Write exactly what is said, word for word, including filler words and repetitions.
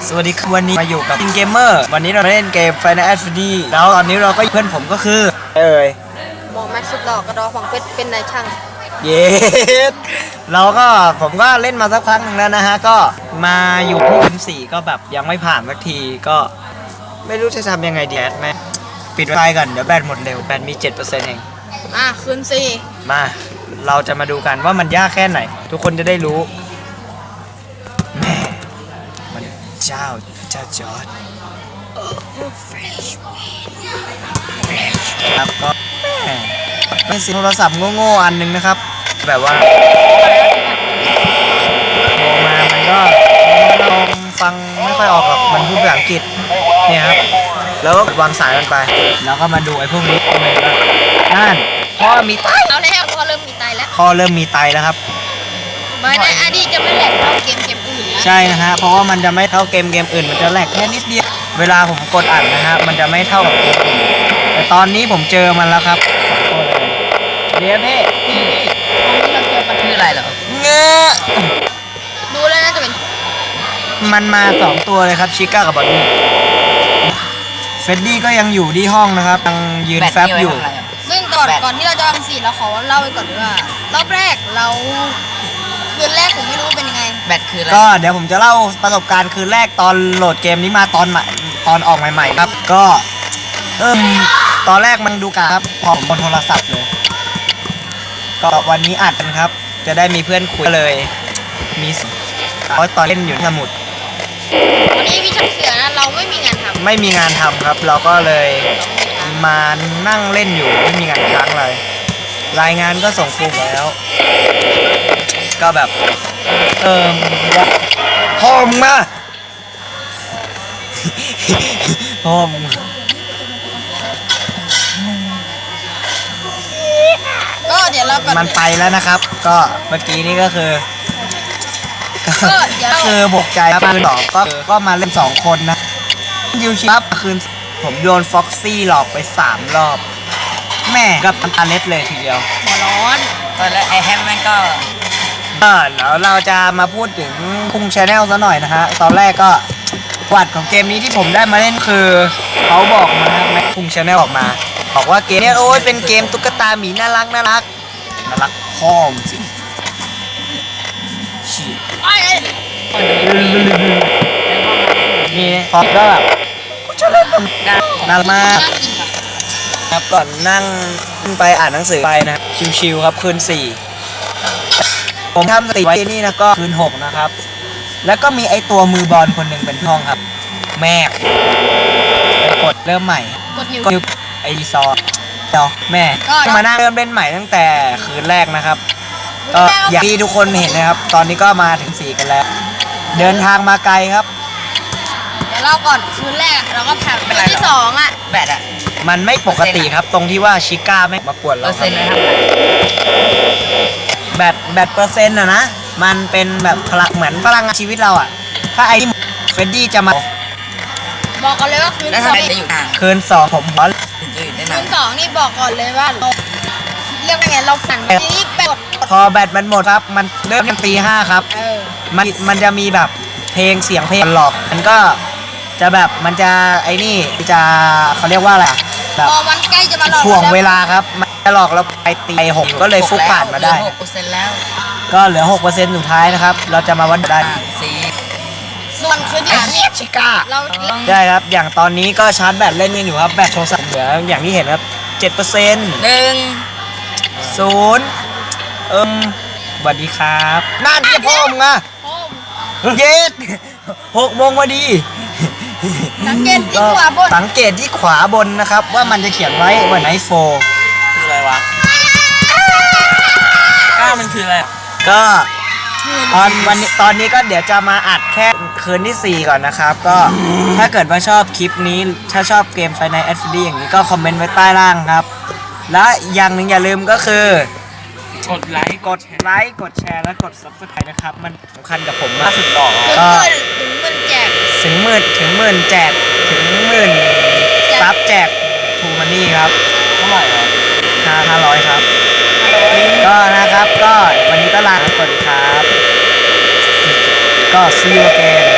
สวัสดีครับวันนี้มาอยู่กับอินเกมเมอร์วันนี้เราเล่นเกม Final Fantasy แล้วตอนนี้เราก็เพื่อนผมก็คือเอ่ยหมอแม็กซ์สุดหล่อกระดอฝังเพชรเป็นนายช่างเย้เราก็ผมก็เล่นมาสักพักหนึ่งแล้วนะฮะก็มาอยู่ที่คืนสี่ก็แบบยังไม่ผ่านสักทีก็ไม่รู้จะทำยังไงดีแอดแม่ปิดไฟก่อนเดี๋ยวแบตหมดเร็วแบตมี เจ็ดเปอร์เซ็นต์ เองอ่ะคืนสี่มาเราจะมาดูกันว่ามันยากแค่ไหนทุกคนจะได้รู้แม่มันเจ้าเจ้าจอร์จครับก็เป็นสิโทรศัพท์โง่ๆอันนึงนะครับแบบว่าโทรมามันก็ลองฟังไม่ค่อยออกหรอกมันพูดภาษาอังกฤษเนี่ยครับแล้วก็วางสายมันไปแล้วก็มาดูไอ้พวกนี้เลยว่านั่นพ่อมีไตเอาแล้วพ่อเริ่มมีไตแล้วพ่อเริ่มมีไตแล้วครับไม่ในอดีตจะไม่แหลกเท่าเกมเกมอื่นนะใช่นะฮะเพราะว่ามันจะไม่เท่าเกมเกมอื่นมันจะแหลกแค่นิดเดียวเวลาผมกดอัดนะฮะมันจะไม่เท่ากับเกมอื่นแต่ตอนนี้ผมเจอมันแล้วครับเดี๋ยวพี่พี่ตอนนี้เราเจอปัญหาอะไรเหรอเงอะดูแล้วน่าจะเป็นมันมาสองตัวเลยครับชิก้ากับบอนนี่เฟดดี้ก็ยังอยู่ที่ห้องนะครับยังยืนแฟบอยู่ซึ่งก่อนก่อนที่เราจะทำสี่เราขอเล่าไปก่อนว่ารอบแรกเราคืนแรกผมไม่รู้เป็นยังไงแบตคืออะไรก็เดี๋ยวผมจะเล่าประสบการณ์คืนแรกตอนโหลดเกมนี้มาตอนใหม่ตอนออกใหม่ๆครับก็เอิ่มตอนแรกมันดูกาครับพอผมบนโทรศัพท์เลยก็วันนี้อัดกันครับจะได้มีเพื่อนคุยเลยมีเพราะตอนเล่นอยู่ที่สมุดวันนี้พี่ชักเสือนะเราไม่มีงานทำไม่มีงานทำครับเราก็เลยมานั่งเล่นอยู่ไม่มีงานค้างเลยรายงานก็ส่งครูแล้วก็แบบเอิมพ่อมึงมาพ่อมึงก็เดี๋ยวเราก่อนมันไปแล้วนะครับก็เมื่อกี้นี่ก็คือก็คือบกใจครับคืนสองก็ก็มาเล่นสองคนนะยูชิครับคืนผมโดนฟ็อกซี่หลอกไปสามรอบแม่กับอันตาเล็ดเลยทีเดียวหัวร้อนตอนแรกไอแฮมมันก็เออแล้วเราจะมาพูดถึงคุงชาแนลซะหน่อยนะฮะตอนแรกก็วัดของเกมนี้ที่ผมได้มาเล่นคือเขาบอกมาแม็กคุงชาแนลออกมาบอกว่าเกมนี้โอ้ยเป็นเกมตุ๊กตาหมีน่ารักน่ารักน่ารักพ่อมสิฉีดนี่พอก็แบบกูจะเล่นมันน่ารักมากครับก่อนนั่งไปอ่านหนังสือไปนะชิวๆครับคืนสี่ผมทำสติไว้นี่นะก็คืนหกนะครับแล้วก็มีไอตัวมือบอลคนหนึ่งเป็นห้องครับแม่ไปกดเริ่มใหม่กดนิ้วไอรีซอร์เดี๋ยวแม่มานั่งเริ่มเล่นใหม่ตั้งแต่คืนแรกนะครับก็อย่างที่ทุกคนเห็นนะครับตอนนี้ก็มาถึงสี่กันแล้วเดินทางมาไกลครับเดี๋ยวเราก่อนคืนแรกเราก็แพ้คืนที่สองอ่ะแบตอ่ะมันไม่ปกติครับตรงที่ว่าชิก้าไม่มากวนเราครับแบตแบตเปอร์เซ็นต์อะนะมันเป็นแบบพลังเหมือนพลังงานชีวิตเราอะถ้าไอ้เฟรดดี้จะมาบอกก่อนเลยว่าคืนสองคืนสองผมขอคืนสองนี่บอกก่อนเลยว่าเราเรียกว่าไงเราฝันนี่แบตพอแบตมันหมดครับมันเริ่มตีห้าครับมันมันจะมีแบบเพลงเสียงเพลงหลอกมันก็จะแบบมันจะไอ้นี่จะเขาเรียกว่าอะไรแบบพอมันใกล้จะมาหลอกถ่วงเวลาครับมันจะหลอกเราไปตีหกก็เลยฟุกผ่านมาได้หกเปอร์เซ็นต์แล้วก็เหลือ หกเปอร์เซ็นต์ สุดท้ายนะครับเราจะมาวัดได้ส่วนคืนที่สามนี่ชิก้าได้ครับอย่างตอนนี้ก็ชาร์จแบตเล่นกันอยู่ครับแบตโทรศัพท์เหลืออย่างที่เห็นครับ เจ็ดเปอร์เซ็นต์หนึ่งศูนย์เอิมสวัสดีครับนั่นที่พ่อมึงอะเย็ดหกโมงพอดีสังเกตที่ขวาบนสังเกตที่ขวาบนนะครับว่ามันจะเขียนไว้ว่าไนท์โฟร์คืออะไรวะก้ามันคืออะไรก็ตอนวันนี้ตอนนี้ก็เดี๋ยวจะมาอัดแค่คืนที่สี่ก่อนนะครับก็ถ้าเกิดว่าชอบคลิปนี้ถ้าชอบเกม Final Fantasy อย่างนี้ก็คอมเมนต์ไว้ใต้ล่างครับและอย่างหนึ่งอย่าลืมก็คือกดไลค์กดไลค์กดแชร์และกด ซับสไครบ์ นะครับมันสำคัญกับผมมากสุดต่อก็ถึงหมื่นแจกถึงหมื่นถึงหมื่นแจกถึงหมื่นซับแจกทูมันนี่ครับเท่าไหร่ครับห้าห้าร้อยครับก็นะครับก็วันนี้ก็ลาสวัสดีครับก็ see you again